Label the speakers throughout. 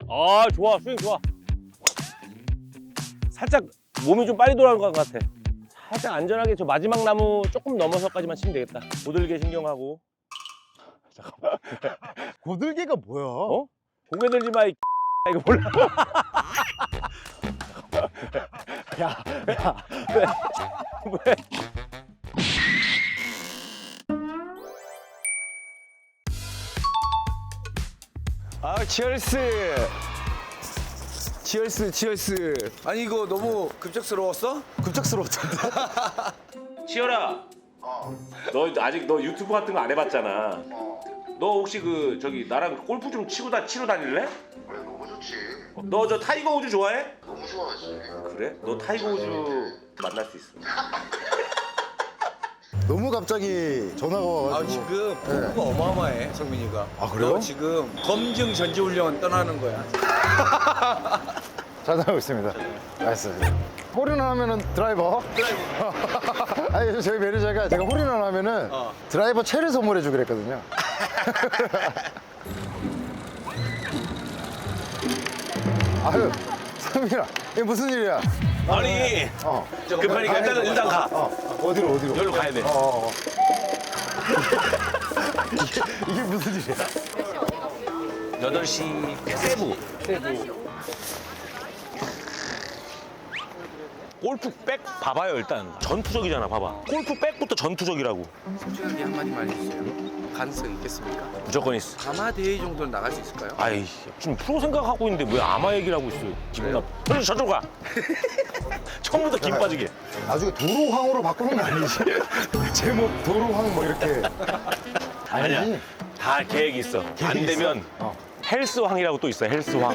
Speaker 1: 아, 좋아. 스윙 좋아. 살짝 몸이 좀 빨리 돌아가는 것 같아. 살짝 안전하게 저 마지막 나무 조금 넘어서까지만 치면 되겠다. 고들게 신경하고. 잠깐만.
Speaker 2: 고들개가 뭐야?
Speaker 1: 어? 고개 들지 마, 이 이거 몰라.
Speaker 2: 야, 야.
Speaker 1: 왜?
Speaker 3: 아, 치얼스. 치얼스.
Speaker 4: 아니 이거 너무 급작스러웠어?
Speaker 3: 급작스러웠던데.
Speaker 1: 치열아. 너 아직 너 유튜브 같은 거 안 해봤잖아. 너 혹시 그 저기 나랑 골프 좀 치러 다닐래?
Speaker 5: 그래 너무 좋지.
Speaker 1: 너 저 타이거 우즈 좋아해?
Speaker 5: 너무 좋아하지.
Speaker 1: 그래? 너 타이거 우즈 만날 수 있어.
Speaker 2: 너무 갑자기 전화가
Speaker 4: 아
Speaker 2: 와가지고.
Speaker 4: 지금 포부가 어마어마해 성민이가.
Speaker 2: 아, 그래요?
Speaker 4: 너 지금 검증 전지훈련 떠나는 거야.
Speaker 2: 잘 나가고 있습니다. 알겠습니다. 홀인원 하면은 드라이버? 아니, 저희 매니저가 제가 홀인원 하면은 드라이버 채를 선물해주기로 했거든요. 아유, 상민아, 이게 무슨 일이야?
Speaker 1: 아니 급하니까 일단 가.
Speaker 2: 어디로?
Speaker 1: 여기로 가야 돼.
Speaker 2: 이게 무슨 일이야?
Speaker 1: 8시 세부. 골프백 봐봐요 일단. 전투적이잖아 봐봐. 골프백부터 전투적이라고.
Speaker 4: 솔직하게 한마디만 해주세요. 가능성 있겠습니까?
Speaker 1: 무조건 있어.
Speaker 4: 가마 대회 정도는 나갈 수 있을까요?
Speaker 1: 아이 지금 프로 생각하고 있는데 왜 아마 얘기를 하고 있어. 기분 나빠. 그래서 저쪽 가. 처음부터 김 빠지게.
Speaker 2: 나중에 도로황으로 바꾸는 거 아니지? 제목 도로황 뭐 이렇게.
Speaker 1: 아니야. 다 계획이 있어. 안 되면 헬스황이라고 또 있어. 헬스황.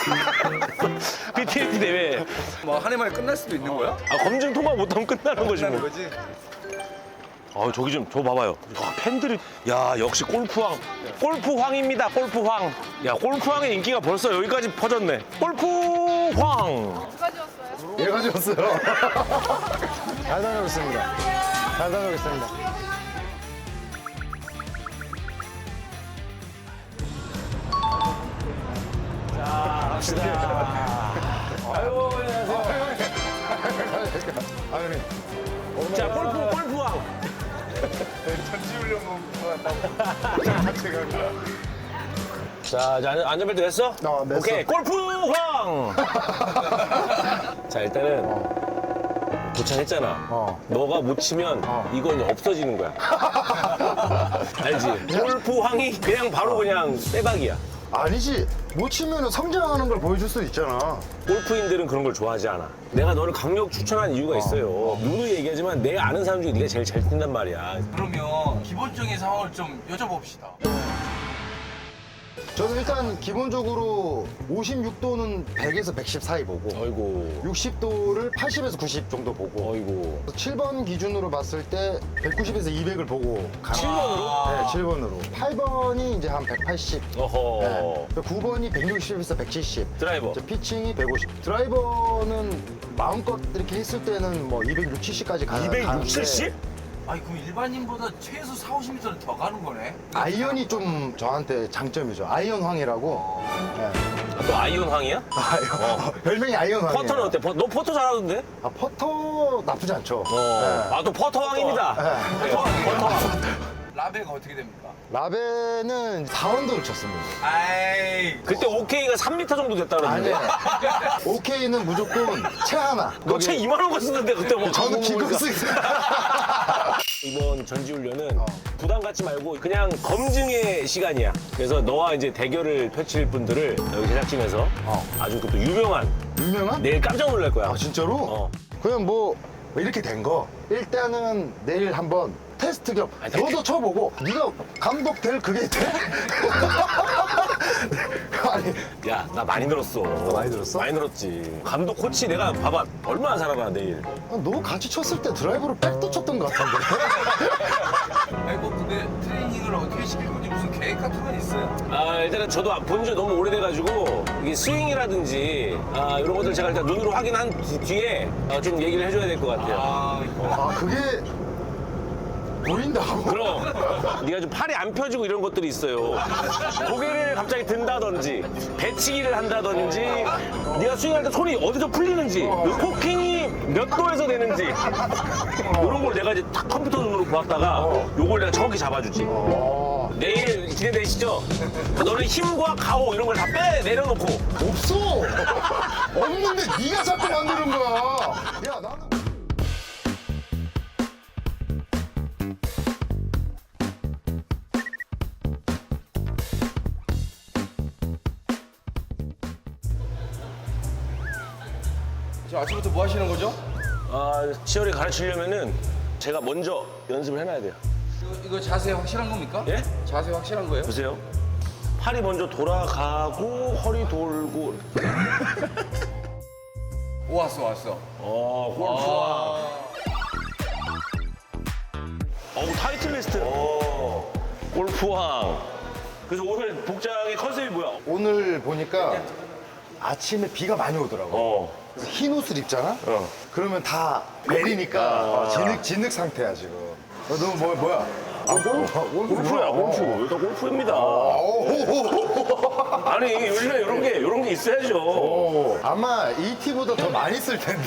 Speaker 1: PTT 대회.
Speaker 4: 뭐 한 해만에 끝날 수도 있는 거야?
Speaker 1: 검증 통과 못하면 끝나는 거지
Speaker 4: 끝나는
Speaker 1: 뭐.
Speaker 4: 거지?
Speaker 1: 저기 좀 저 봐봐요. 팬들이 야 역시 골프황. 골프황입니다. 골프황. 야 골프황의 인기가 벌써 여기까지 퍼졌네. 골프황.
Speaker 2: 얘 가져왔어요. 잘 다녀오고 있습니다. 잘 다녀오고 있습니다.
Speaker 1: 아유 안녕하세요.
Speaker 2: 아, 형님.
Speaker 1: 자 골프황. 자, 이제 안전벨트 됐어?
Speaker 2: 냈어.
Speaker 1: 오케이, 골프황! 자, 일단은 도착했잖아. 너가 못 치면 이건 없어지는 거야. 알지? 골프황이 그냥 바로 그냥 빼박이야.
Speaker 2: 아니지. 못 치면 성장하는 걸 보여줄 수도 있잖아.
Speaker 1: 골프인들은 그런 걸 좋아하지 않아. 내가 너를 강력 추천한 이유가 있어요. 누누이 얘기하지만 내가 아는 사람 중에 네가 제일 잘 뛴단 말이야.
Speaker 6: 그러면 기본적인 상황을 좀 여쭤봅시다.
Speaker 2: 저는 일단 기본적으로 56도는 100에서 110 사이 보고
Speaker 1: 어이구,
Speaker 2: 60도를 80에서 90 정도 보고
Speaker 1: 어이구.
Speaker 2: 7번 기준으로 봤을 때 190에서 200을 보고
Speaker 1: 7번으로?
Speaker 2: 네, 7번으로. 8번이 이제 한 180.
Speaker 1: 어허.
Speaker 2: 네. 9번이 160에서 170.
Speaker 1: 드라이버.
Speaker 2: 이제 피칭이 150. 드라이버는 마음껏 이렇게 했을 때는 뭐 260, 70까지 가는
Speaker 1: 260, 70?
Speaker 6: 아니 그럼 일반인보다 최소 4, 50m는 더 가는 거네?
Speaker 2: 아이언이 좀 저한테 장점이죠. 아이언황이라고. 네.
Speaker 1: 또 아이언황이야?
Speaker 2: 별명이 아이언황이에요.
Speaker 1: 퍼터는 어때? 너 퍼터 잘하던데?
Speaker 2: 아, 퍼터 나쁘지 않죠. 네.
Speaker 1: 아, 또 퍼터왕입니다.
Speaker 2: 네.
Speaker 1: 퍼터왕.
Speaker 6: 라베가 어떻게 됩니까?
Speaker 2: 라베는 4언더를 쳤습니다.
Speaker 6: 아이
Speaker 1: 그때 오케이가 3m 정도 됐다 그러는데.
Speaker 2: 아니야. 오케이는 무조건 채 하나.
Speaker 1: 너 채 2만 원 쓰는데 그때 뭐
Speaker 2: 저는
Speaker 1: 광고 보니까.
Speaker 2: 기급스.
Speaker 1: 이번 전지훈련은 부담 갖지 말고 그냥 검증의 시간이야. 그래서 너와 이제 대결을 펼칠 분들을 여기 제작진에서 아주 또 유명한
Speaker 2: 유명한?
Speaker 1: 내일 깜짝 놀랄 거야.
Speaker 2: 아, 진짜로?
Speaker 1: 어.
Speaker 2: 그냥 뭐 이렇게 된 거. 일단은 내일 한번 테스트 겸 너도 쳐보고 네가 감독 될 그게 돼? 아니,
Speaker 1: 야, 나 많이 늘었어.
Speaker 2: 많이 늘었어?
Speaker 1: 많이 늘었지. 감독 코치 내가 봐봐. 얼마나 잘하나 내일.
Speaker 2: 너 같이 쳤을 때 드라이버로 백도 쳤던 것 같은데.
Speaker 6: 아니 뭐 근데 트레이닝을 어떻게 시킬 건지 무슨 계획 같은 건 있어요?
Speaker 1: 일단은 저도 본 지 너무 오래돼가지고 이게 스윙이라든지 이런 것들 제가 일단 눈으로 확인한 뒤에 좀 얘기를 해줘야 될 것 같아요.
Speaker 6: 아,
Speaker 2: 아, 그게. 보인다고?
Speaker 1: 그럼 네가 좀 팔이 안 펴지고 이런 것들이 있어요. 고개를 갑자기 든다든지 배치기를 한다든지 네가 스윙할 때 손이 어디서 풀리는지 코킹이 몇 도에서 되는지 이런 걸 내가 이제 딱 컴퓨터 눈으로 보았다가 요걸 내가 정확히 잡아주지. 내일 기대되시죠? 너는 힘과 가오 이런 걸 다 내려놓고
Speaker 2: 없어. 없는데 네가 자꾸 만드는 거야. 야 나는.
Speaker 6: 지금 아침부터 뭐 하시는 거죠?
Speaker 1: 치열이 가르치려면은 제가 먼저 연습을 해놔야 돼요.
Speaker 6: 이거 자세 확실한 겁니까?
Speaker 1: 예?
Speaker 6: 자세 확실한 거예요?
Speaker 1: 보세요. 팔이 먼저 돌아가고 허리 돌고.
Speaker 6: 오, 왔어.
Speaker 1: 골프왕. 타이틀리스트. 골프왕. 그래서 오늘 복장의 컨셉이 뭐야?
Speaker 2: 오늘 보니까 아침에 비가 많이 오더라고. 그래서 흰 옷을 입잖아? 그러면 다 내리니까 진흙 상태야 지금. 너 뭐야?
Speaker 1: 골프야, 골프. 일단 골프입니다. 아니, 요즘에 이런 게 있어야죠.
Speaker 2: 아마 이 티보다 더 많이 쓸 텐데.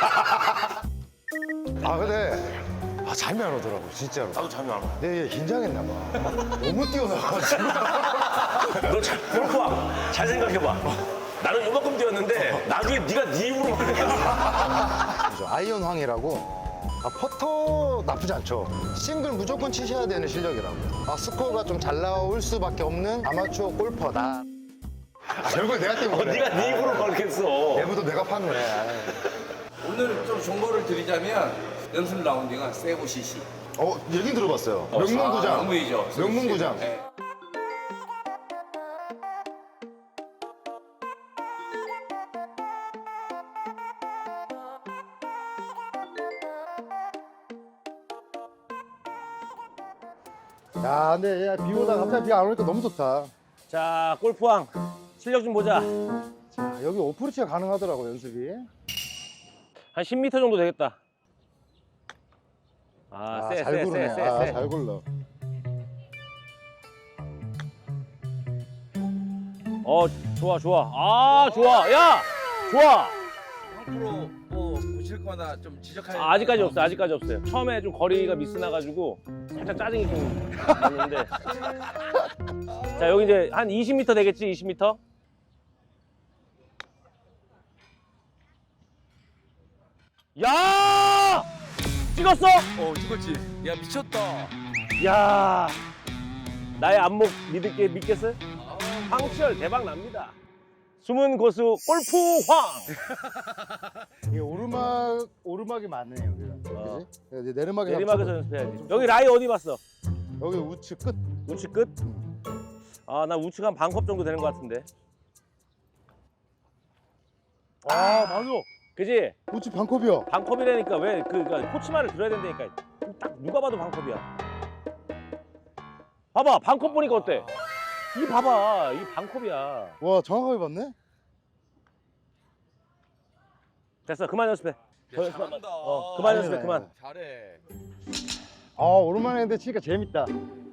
Speaker 2: 근데 잠이 안 오더라고 진짜로.
Speaker 1: 나도 잠이 안 와.
Speaker 2: 내 긴장했나 봐. 너무 뛰어나가지고.
Speaker 1: 너 골프왕, 잘 생각해봐. 나는 요만큼 뛰었는데 나중에 네가 네 입으로 그랬어.
Speaker 2: 아이언 황이라고. 퍼터 나쁘지 않죠. 싱글 무조건 치셔야 되는 실력이라고. 스코어가 좀 잘 나올 수밖에 없는 아마추어 골퍼다. 결국에 내가 때문에.
Speaker 1: 네가 네 입으로 걸겠어.
Speaker 2: 내부도 내가 파는 거야.
Speaker 6: 오늘 좀 정보를 드리자면 연습 라운딩은 세고 CC.
Speaker 2: 얘긴 들어봤어요. 명문구장.
Speaker 6: 명문이죠.
Speaker 2: 명문구장.
Speaker 6: 네.
Speaker 2: 야, 근데 비 오다 갑자기 비가 안 오니까 너무 좋다.
Speaker 1: 자, 골프왕 실력 좀 보자.
Speaker 2: 자, 여기 오프리치가 가능하더라고, 연습이.
Speaker 1: 한 10m 정도 되겠다.
Speaker 2: 잘 구르네.
Speaker 1: 세.
Speaker 2: 잘 굴러.
Speaker 1: 좋아. 좋아. 야, 좋아.
Speaker 6: 앞으로 뭐 보실 거나 좀 지적할
Speaker 1: 아직까지 없어요. 처음에 좀 거리가 미스나가지고 살짝 짜증이 좀 났는데. 자, 여기 이제 한 20m 되겠지, 20m? 야! 찍었어?
Speaker 6: 찍었지. 야, 미쳤다.
Speaker 1: 야, 나의 안목 믿겠어요? 황치열 대박 납니다. 숨은 고수 골프황.
Speaker 2: 이게 오르막이 많네, 여기가. 그지? 이제 내리막에
Speaker 1: 내리막에서 연습해야지. 여기 라이 어디 봤어?
Speaker 2: 여기 우측 끝.
Speaker 1: 우측 끝? 나 우측 한 반컵 정도 되는 것 같은데.
Speaker 2: 맞아.
Speaker 1: 그지?
Speaker 2: 우측 반컵이야.
Speaker 1: 반컵이라니까 왜 그러니까 코치 말을 들어야 된다니까. 딱 누가 봐도 반컵이야. 봐봐, 반컵 보니까 어때? 이 봐봐, 이 반컵이야.
Speaker 2: 와, 정확하게 봤네?
Speaker 1: 됐어, 그만 연습해. 더 연습 안
Speaker 6: 잘한다.
Speaker 1: 그만 연습해,
Speaker 2: 아니네.
Speaker 1: 그만.
Speaker 6: 잘해.
Speaker 2: 오랜만에 했는데 치니까 재밌다.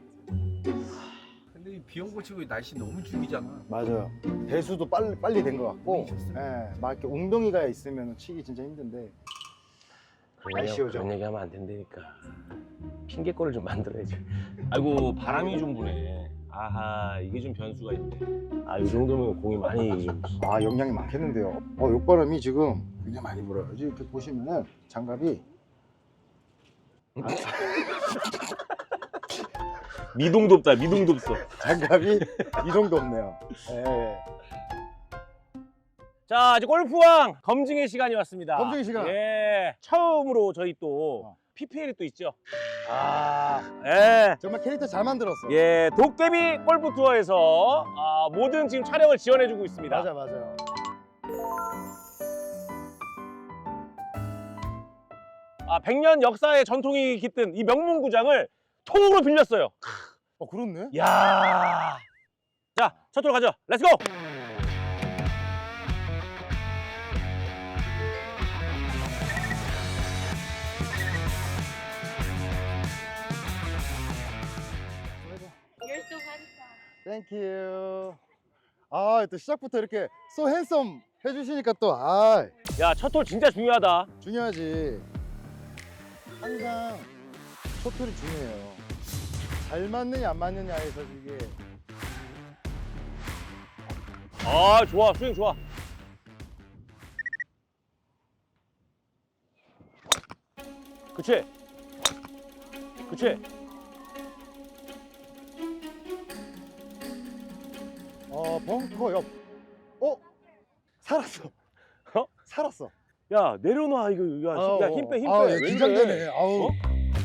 Speaker 6: 근데 이 비용 고치고 날씨 너무 죽이잖아.
Speaker 2: 맞아요. 배수도 빨리 된 것 같고, 막 이렇게 웅덩이가 있으면 치기 진짜 힘든데. 날씨오죠.
Speaker 1: 그런 얘기하면 안 된다니까. 핑계거리를 좀 만들어야지. 아이고, 바람이 좀 부네. 아하, 이게 좀 변수가 있네. 이 정도면 공이 많이 좀.
Speaker 2: 영향이 많겠는데요. 욕바람이 지금 굉장히 많이 불어요. 이렇게 보시면은 장갑이
Speaker 1: 미동도 없다, 미동도 없어.
Speaker 2: 장갑이 이 정도 없네요. 예.
Speaker 1: 자, 이제 골프왕 검증의 시간이 왔습니다.
Speaker 2: 검증의 시간.
Speaker 1: 예. 처음으로 저희 또 PPL이 또 있죠. 예.
Speaker 2: 정말 캐릭터 잘 만들었어.
Speaker 1: 예, 도깨비 골프 투어에서 모든 지금 촬영을 지원해주고 있습니다.
Speaker 2: 맞아요.
Speaker 1: 100년 역사의 전통이 깃든 이 명문구장을 통으로 빌렸어요.
Speaker 2: 그렇네.
Speaker 1: 야. 자, 첫 홀 가죠. 렛츠고!
Speaker 2: 땡큐. 아, 또 시작부터 이렇게 so handsome 해주시니까 또, 아,
Speaker 1: 야, 첫 홀 진짜 중요하다.
Speaker 2: 중요하지. 항상 첫 홀이 중요해요. 잘 맞느냐, 안 맞느냐에서 이게.
Speaker 1: 아, 좋아. 스윙 좋아. 그치? 그치?
Speaker 2: 벙커 옆. 살았어.
Speaker 1: 어?
Speaker 2: 살았어.
Speaker 1: 야, 내려놔. 이거. 야, 힘 빼, 힘 빼.
Speaker 2: 아,
Speaker 1: 왜
Speaker 2: 긴장되네.
Speaker 1: 이래?
Speaker 2: 아우.
Speaker 1: 어?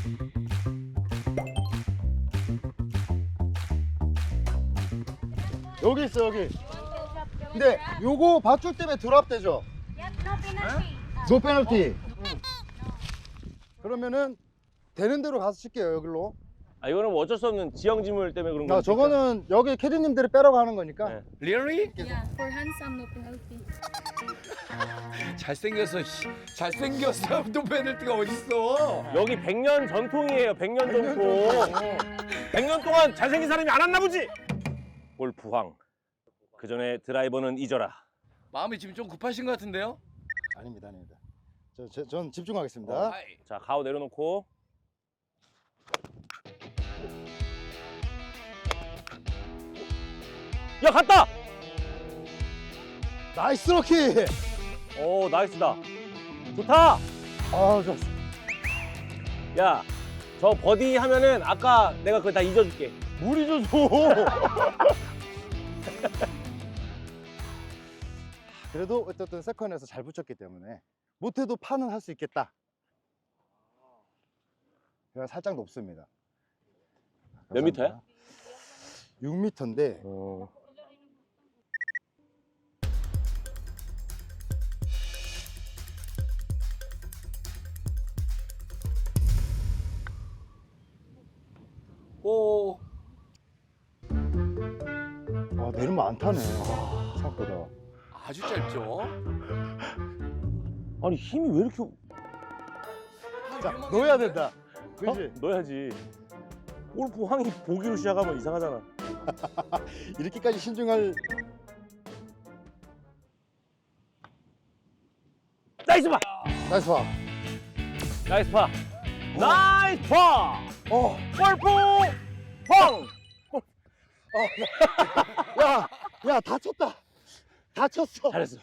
Speaker 2: 여기 있어, 여기. 근데 요거 밧줄 때문에 드랍되죠? 노 페널티. 그러면은 되는 대로 가서 칠게요, 여기로.
Speaker 1: 아, 이거는 뭐 어쩔 수 없는 지형지물 때문에 그런 거니까.
Speaker 2: 저거는 여기 캐디님들이 빼라고 하는 거니까.
Speaker 1: 네.
Speaker 6: Really?
Speaker 7: Yeah, for handsome, no penalty.
Speaker 6: 잘생겨서 잘생겼어. 또 페널티가 어딨어?
Speaker 1: 여기 100년 전통이에요. 100년 전통. 100년 동안 잘생긴 사람이 안 왔나 보지? 골프황. 그 전에 드라이버는 잊어라.
Speaker 6: 마음이 지금 좀 급하신 것 같은데요?
Speaker 2: 아닙니다, 아닙니다. 전 집중하겠습니다.
Speaker 6: 아이,
Speaker 1: 자, 가오 내려놓고. 야, 갔다!
Speaker 2: 나이스 로키!
Speaker 1: 오, 나이스다. 좋다!
Speaker 2: 아, 좋았어.
Speaker 1: 야, 저 버디 하면은 아까 내가 그거 다 잊어줄게. 물 잊어줘!
Speaker 2: 그래도 어쨌든 세컨에서 잘 붙였기 때문에 못해도 파는 할 수 있겠다. 그냥 살짝 높습니다.
Speaker 1: 몇 미터야?
Speaker 2: 6m인데
Speaker 6: 오,
Speaker 2: 내리면 안 타네. 생각보다.
Speaker 6: 아주 짧죠?
Speaker 1: 아니, 힘이 왜 이렇게.
Speaker 2: 자, 넣어야 된다. 그렇지?
Speaker 1: 넣어야지. 골프 황이 보기로 시작하면 이상하잖아.
Speaker 2: 이렇게까지 신중할.
Speaker 1: 나이스 파!
Speaker 2: 나이스 파.
Speaker 1: 나이스 파! 나이스 파! 골프 황!
Speaker 2: 야, 다쳤다. 다쳤어.
Speaker 1: 잘했어.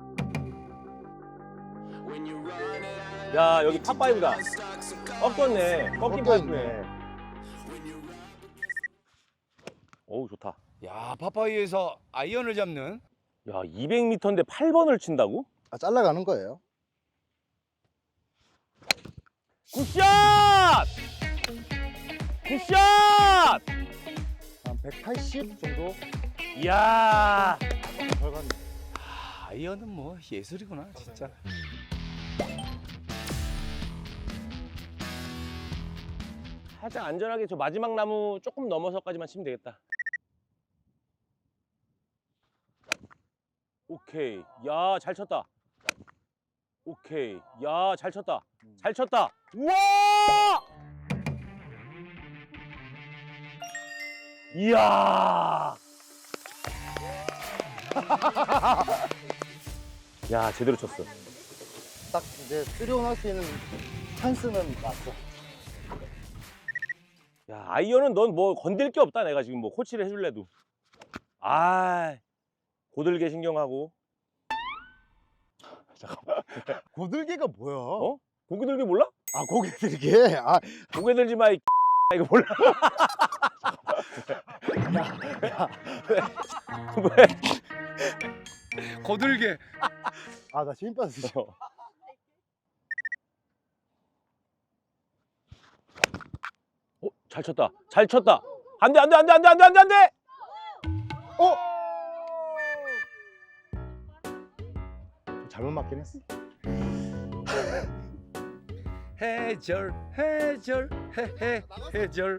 Speaker 1: 야, 여기 팝5다. 꺾였네. 꺾인 파이프네. 어우, 좋다.
Speaker 6: 야, 파파이에서 아이언을 잡는.
Speaker 1: 야, 200m인데 8번을 친다고?
Speaker 2: 잘라가는 거예요.
Speaker 1: 굿샷! 굿샷!
Speaker 2: 한 180 정도
Speaker 1: 이야.
Speaker 2: 결과는.
Speaker 6: 아이언은 뭐 예술이구나, 진짜.
Speaker 1: 살짝 안전하게 저 마지막 나무 조금 넘어서까지만 치면 되겠다. 오케이. 야, 잘 쳤다. 오케이. 야, 잘 쳤다. 잘 쳤다. 우와! 이야. 야, 제대로 쳤어.
Speaker 2: 딱 이제 3온 할 수 있는 찬스는 왔어.
Speaker 1: 야, 아이언은 넌 뭐 건들 게 없다. 내가 지금 뭐 코치를 해줄래도. 아, 고들게 신경하고.
Speaker 2: 고들개가 뭐야?
Speaker 1: 어? 고개 들기 몰라?
Speaker 2: 고개 들게.
Speaker 1: 고개 들지 마, 이 이거 몰라? 왜?
Speaker 6: 거들게.
Speaker 2: 나 힘 빠졌어.
Speaker 1: 잘 쳤다. 잘 쳤다. 안 돼, 안 돼, 안 돼, 안 돼, 안 돼, 안 돼, 안 돼!
Speaker 2: 잘못 맞긴 했어.
Speaker 6: 해절, 해절.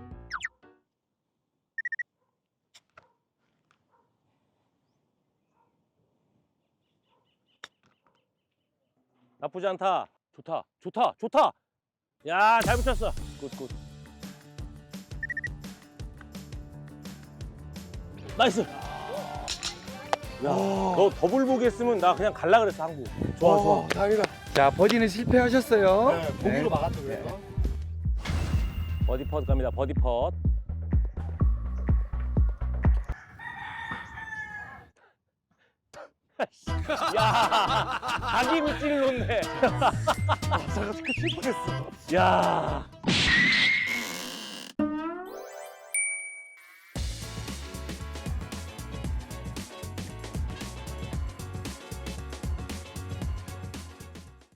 Speaker 1: 나쁘지 않다. 좋다, 좋다, 좋다. 야, 잘 붙였어. 굿, 굿. 나이스. 야, 너 더블 보기 했으면 나 그냥 갈라 그랬어, 한국. 좋아, 좋아.
Speaker 6: 다행이다. 자, 버디는 실패하셨어요.
Speaker 2: 네, 보기로 막았죠, 그래서.
Speaker 1: 버디 펫 갑니다, 버디 펫. 야, 자기 밑지를 놓네. 잠깐 슬퍼했어. 야.